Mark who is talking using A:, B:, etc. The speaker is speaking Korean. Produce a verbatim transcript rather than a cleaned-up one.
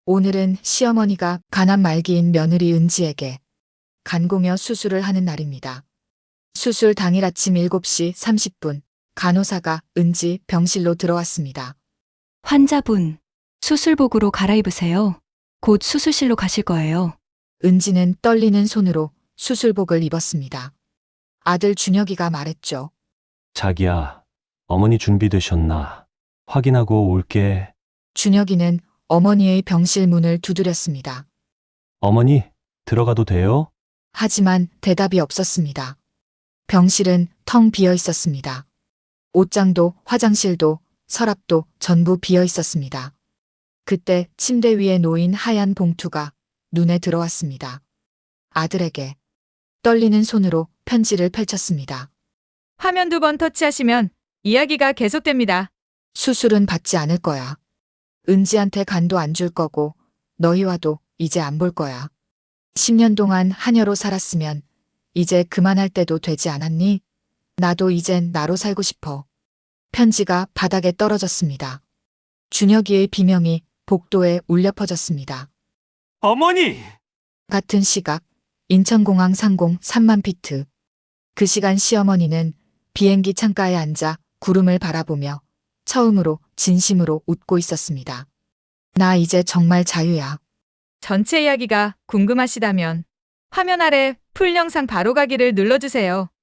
A: 오늘은 시어머니가 가난 말기인 며느리 은지에게 간고며 수술을 하는 날입니다. 수술 당일 아침 일곱 시 삼십 분, 간호사가 은지 병실로 들어왔습니다.
B: 환자분, 수술복으로 갈아입으세요. 곧 수술실로 가실 거예요.
A: 은지는 떨리는 손으로 수술복을 입었습니다. 아들 준혁이가 말했죠.
C: 자기야, 어머니 준비되셨나? 확인하고 올게.
A: 준혁이는 어머니의 병실 문을 두드렸습니다.
C: 어머니, 들어가도 돼요?
A: 하지만 대답이 없었습니다. 병실은 텅 비어 있었습니다. 옷장도 화장실도 서랍도 전부 비어 있었습니다. 그때 침대 위에 놓인 하얀 봉투가 눈에 들어왔습니다. 아들에게 떨리는 손으로 편지를 펼쳤습니다.
D: 화면 두 번 터치하시면 이야기가 계속됩니다.
A: 수술은 받지 않을 거야. 은지한테 간도 안 줄 거고 너희와도 이제 안 볼 거야. 십 년 동안 하녀로 살았으면 이제 그만할 때도 되지 않았니? 나도 이젠 나로 살고 싶어. 편지가 바닥에 떨어졌습니다. 준혁이의 비명이 복도에 울려 퍼졌습니다.
C: 어머니!
A: 같은 시각 인천공항 상공 삼만 피트. 그 시간 시어머니는 비행기 창가에 앉아 구름을 바라보며 처음으로 진심으로 웃고 있었습니다. 나 이제 정말 자유야.
D: 전체 이야기가 궁금하시다면 화면 아래 풀 영상 바로 가기를 눌러주세요.